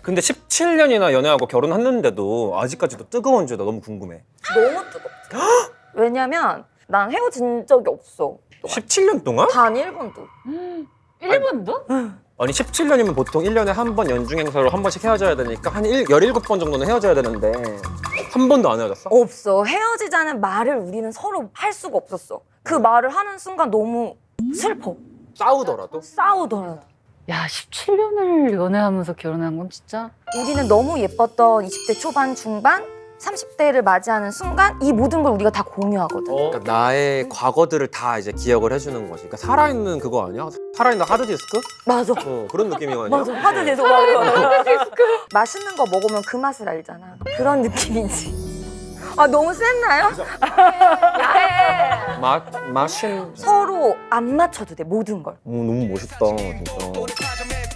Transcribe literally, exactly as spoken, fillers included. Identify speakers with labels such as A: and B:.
A: 근데 십칠 년이나 연애하고 결혼했는데도 아직까지도 뜨거운지 나 너무 궁금해.
B: 너무 뜨겁지. 왜냐면 난 헤어진 적이 없어.
A: 십칠 년 동안?
B: 단 일 번도.
C: 일 번도?
A: 아니 십칠 년이면 보통 일 년에 한 번 연중 행사로 한 번씩 헤어져야 되니까 한 일, 열일곱 번 정도는 헤어져야 되는데 한 번도 안 헤어졌어?
B: 없어. 헤어지자는 말을 우리는 서로 할 수가 없었어. 그 말을 하는 순간 너무 슬퍼.
A: 싸우더라도?
B: 싸우더라도.
C: 야, 십칠 년을 연애하면서 결혼한 건 진짜.
B: 우리는 너무 예뻤던 이십 대 초반 중반 삼십 대를 맞이하는 순간 이 모든 걸 우리가 다 공유하거든.
A: 그러니까 나의 과거들을 다 이제 기억을 해주는 거지. 그러니까 살아있는 그거 아니야? 살아있는 하드디스크?
B: 맞아.
A: 어, 그런 느낌이거든요.
B: 맞아. 하드 디스크. 하드 디스크. 맛있는 거 먹으면 그 맛을 알잖아. 그런 느낌이지. 아 너무 셌나요?
A: 맛, 맛인...
B: 서로 안 맞춰도 돼 모든 걸.
A: 어, 너무 멋있다 진짜.